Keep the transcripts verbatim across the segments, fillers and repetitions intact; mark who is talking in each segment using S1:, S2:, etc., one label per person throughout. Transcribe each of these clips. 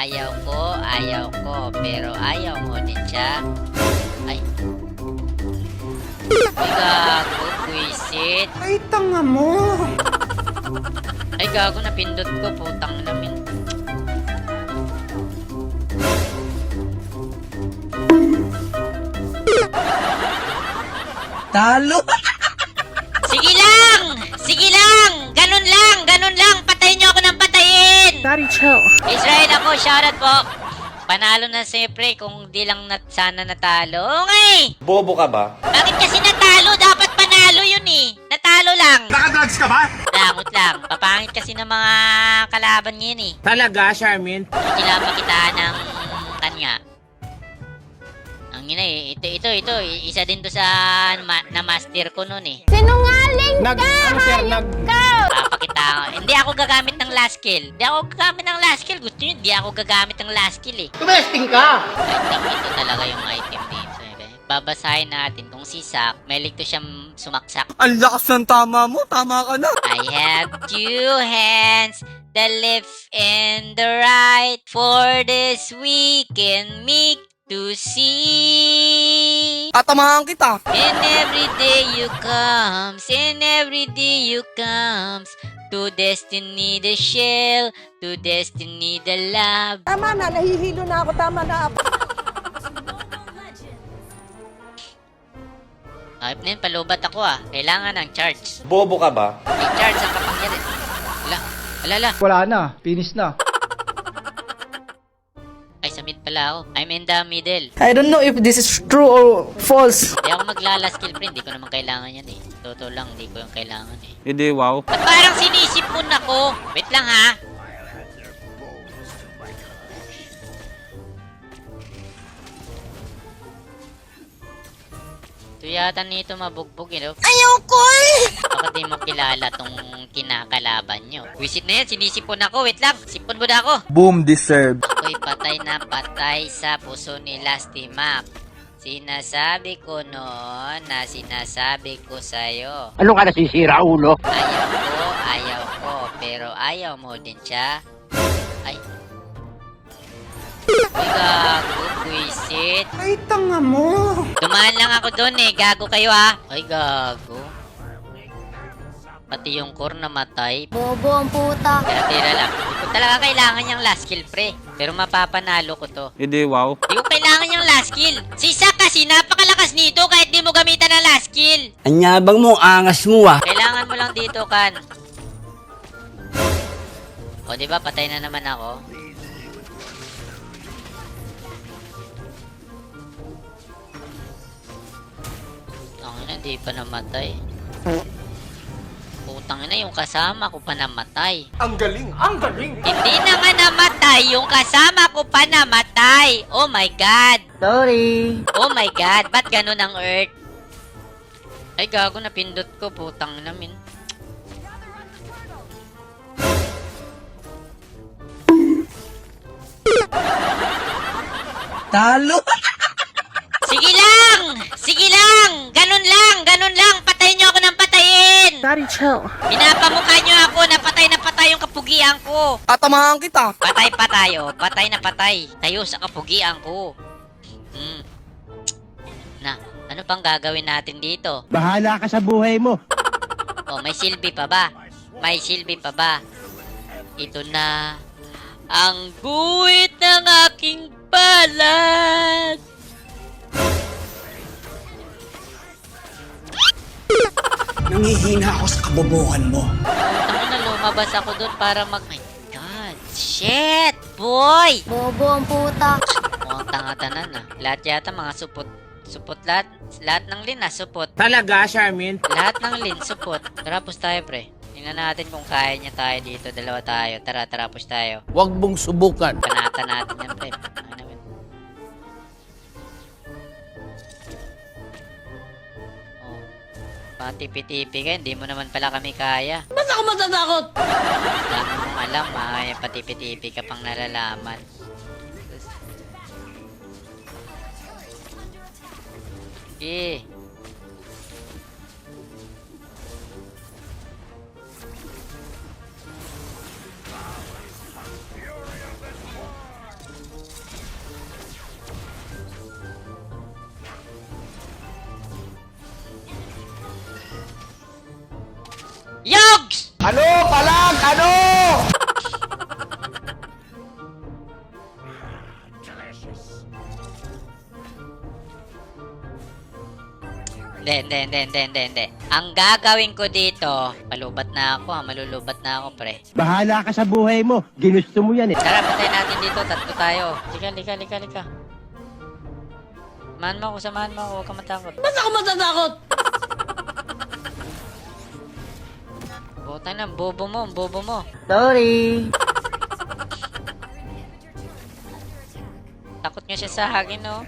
S1: Ayaw ko, ayaw ko, pero ayaw mo din siya. Ay. Ay, gago, buisit.
S2: Ay, tanga mo!
S1: Ay, gago, napindot ko, putang namin.
S2: Talo!
S1: Sige lang! Sige lang! Ganun lang! Ganun lang! Patayin niyo ako ng patayin!
S3: Daddy, chill.
S1: Israel ako, shoutout po. Panalo na siyempre kung di lang nat sana natalo. Oo nga eh!
S4: Bobo ka ba?
S1: Bakit kasi natalo? Dapat panalo yun eh. Natalo lang.
S4: Nakadrugs ka ba?
S1: Langot lang. Papangit kasi ng mga kalaban ngayon eh.
S2: Talaga, Charmin?
S1: Hindi lang makitaan ng kanya. Ang ina eh. Ito, ito, ito. Isa din to sa ma na master ko nun eh.
S3: Sinungaling
S2: Nag, ano sir, nag...
S1: Papakita ko. Hindi ako gagamit ng last kill. Hindi ako gagamit ng last kill. Gusto nyo, hindi ako gagamit ng last kill eh.
S2: Tumesting ka!
S1: I think ito talaga yung item dito. Eh. Babasahin natin kung si Zac, may ligto siyang sumaksak.
S2: Ang lakas ng tama mo, tama ka na!
S1: I have two hands, the left and the right. For this we can make to see.
S2: Tatamahan kita!
S1: And every day you comes, and every day you comes. To destiny the shell, to destiny the love.
S3: Tama na, nahihilo na ako. Tama na.
S1: Ayop na yun, palubat ako ah. Kailangan ng charge.
S4: Bobo ka ba?
S1: May charge ang kapangyarihan. Ala, ala, ala.
S5: Wala na, finish na.
S1: Ay, sa mid pala ako. I'm in the middle.
S3: I don't know if this is true or false.
S1: Hindi ako maglala skill friend. Hindi ko naman kailangan yan eh. Totoo lang, hindi ko yung kailangan eh.
S2: Hindi, wow.
S1: Ba't parang sinisipon ako? Wait lang ha. Ito yata nito mabugbog eh. No?
S3: Ayoko eh!
S1: Baka di mo kilala tong kinakalaban nyo. Visit na yan, sinisipon ako. Wait lang, sipon mo na ako.
S5: Boom deserve.
S1: Ako'y patay na patay sa puso ni Lasty Mac. Sinasabi ko noon na sinasabi ko sa'yo.
S6: Ano ka nasisira, ulo?
S1: Ayaw ko, ayaw ko, pero ayaw mo din siya. Ay. Ay, gago, buisit.
S2: Ay, tanga mo!
S1: Dumaan lang ako doon eh, gago kayo ha. Ay, gago. Pati yung core namatay.
S3: Bobo ang puta.
S1: Kaya tira lang. Hindi ko talaga kailangan yung last kill, pre. Pero mapapanalo ko to.
S2: Hindi, wow.
S1: Hindi ko kailangan yung last kill. Si Zac kasi napakalakas nito kahit di mo gamitan ng last kill.
S6: Anyabang mo, angas mo ah.
S1: Kailangan mo lang dito, Kan. O, di ba patay na naman ako? Ang ina, di pa namatay. Putang ina, yung kasama ko pa namatay.
S4: Ang galing! Ang galing!
S1: Hindi na nga namatay, yung kasama ko pa namatay. Oh my God.
S6: Sorry.
S1: Oh my God, ba't ganun ang Earth? Ay, gago, napindot ko, putang namin.
S2: Talo!
S1: Sige lang! Sige lang! Ganun lang! Ganun lang! Patayin niyo ako ng patayin!
S3: Daddy, chill.
S1: Pinapamukha niyo ako na patay na patay yung kapugian ko.
S2: Tatamahan kita!
S1: Patay pa tayo. Patay na patay. Tayo sa kapugian ko. Hmm. Na, ano pang gagawin natin dito?
S6: Bahala ka sa buhay mo.
S1: Oh, may silbi pa ba? May silbi pa ba? Ito na ang guhit ng aking palad.
S2: Nangihina ako sa kabobohan mo.
S1: Ako na lumabas ako doon para mag... My God! Shit! Boy!
S3: Bobo ang puta.
S1: Mukhang tanga-tanan ah. Lahat yata mga supot. Supot lahat. Lahat ng lin ah, supot.
S2: Talaga, Charmin?
S1: Lahat ng lin, supot. Tara, push tayo pre. Tingnan natin kung kaya niya tayo dito. Dalawa tayo. Tara, tara, push tayo.
S6: Huwag mong subukan.
S1: Panata natin yan pre. Ano naman? Oh. Patipi-tipi ka. Hindi mo naman pala kami kaya.
S6: Ba't ako matatakot?
S1: Dami mong alam ah. Yung patipi-tipi ka pang nalalaman. Eh.
S4: Ano? Palag! Ano?
S1: Hindi, hindi, hindi, hindi, hindi, hindi. Ang gagawin ko dito, malubat na ako, ha? Malulubat na ako, pre.
S6: Bahala ka sa buhay mo. Ginusto mo yan eh.
S1: Tara, patay natin dito, tatlo tayo. Lika, lika, lika, lika. Samahan mo ako, samahan mo ako, huwag ka matakot.
S6: Ba't ako matatakot?
S1: Butang na, bobo mo, bobo mo.
S3: Sorry.
S1: Takot nga siya sa akin, no?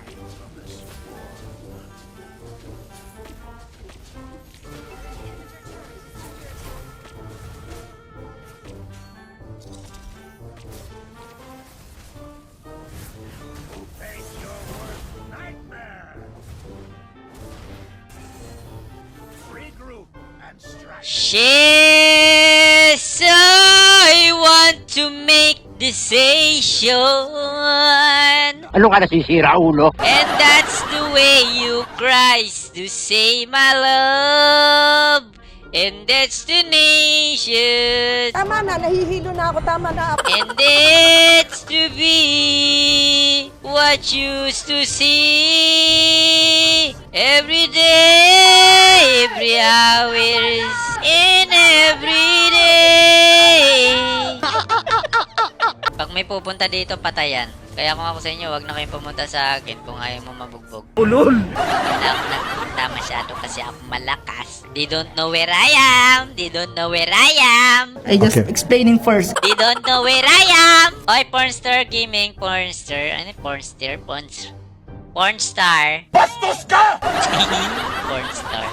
S1: Yes, I want to make decision.
S6: Ano ka nasisira, ulo?
S1: And that's the way you cries to say my love. And that's the nation.
S7: Tama na, nahihilo na ako. Tama na.
S1: And it's to be what you used to see every day, every hours, in every day. Pag may pupunta dito, patayan. Kaya kung ako sa inyo, wag na kayong pumunta sa akin kung ayaw mo mabugbog.
S5: Ulol!
S1: Hindi ako nagpunta masyado kasi ako malakas. They don't know where I am. They don't know where I am.
S3: I just explaining first.
S1: They don't know where I am! Oy, Pornstar Gaming, Pornstar. Ano yung Pornstar? Porns... Pornstar.
S4: Bastos ka!
S1: Pornstar.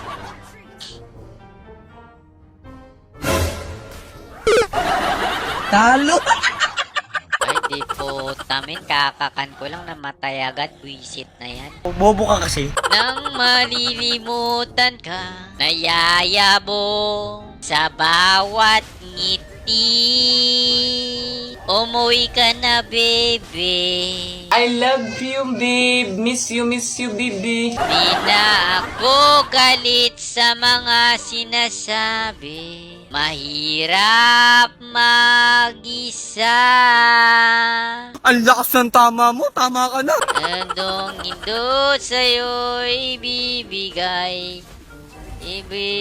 S3: Talo.
S1: Ay, di po. Tamin, kakakan ko lang namatay agad. Buisit na yan.
S2: Bobo ka kasi.
S1: Nang malilimutan ka, nayayabong sa bawat ngiti. Umuwi ka na, baby.
S2: I love you, babe. Miss you, miss you, baby.
S1: Di na ako galit sa mga sinasabi. Mahirap mag-isa.
S2: Ang lakas ng tama mo. Tama ka na.
S1: Andong indot sa'yo ibibigay. Ibi...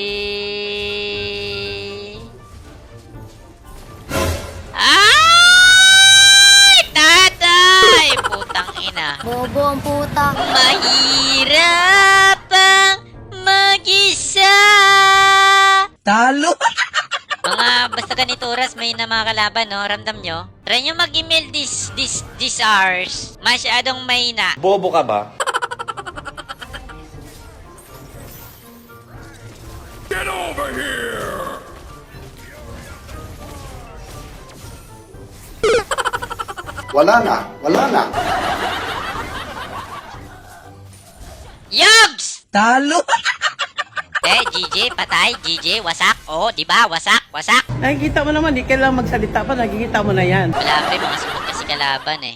S1: Ay! Tatay! Putang ina.
S3: Bobo ang puta.
S1: Mahirap ang mag-isa.
S3: Talo.
S1: Mga basta ganito oras may na mga kalaban, no? Ramdam nyo? Try nyo mag-email this, this, this hours. Masyadong mahina.
S4: Bobo ka ba?
S8: Wala na, wala na.
S1: Yogs!
S3: Talo.
S1: Eh, G J, patay. G J, wasak. Oh, di ba? Wasak, wasak.
S6: Nakikita mo naman, di kailangan magsalita pa, nakikita mo na yan.
S1: Wala pa yung mga sunod kasi kalaban eh.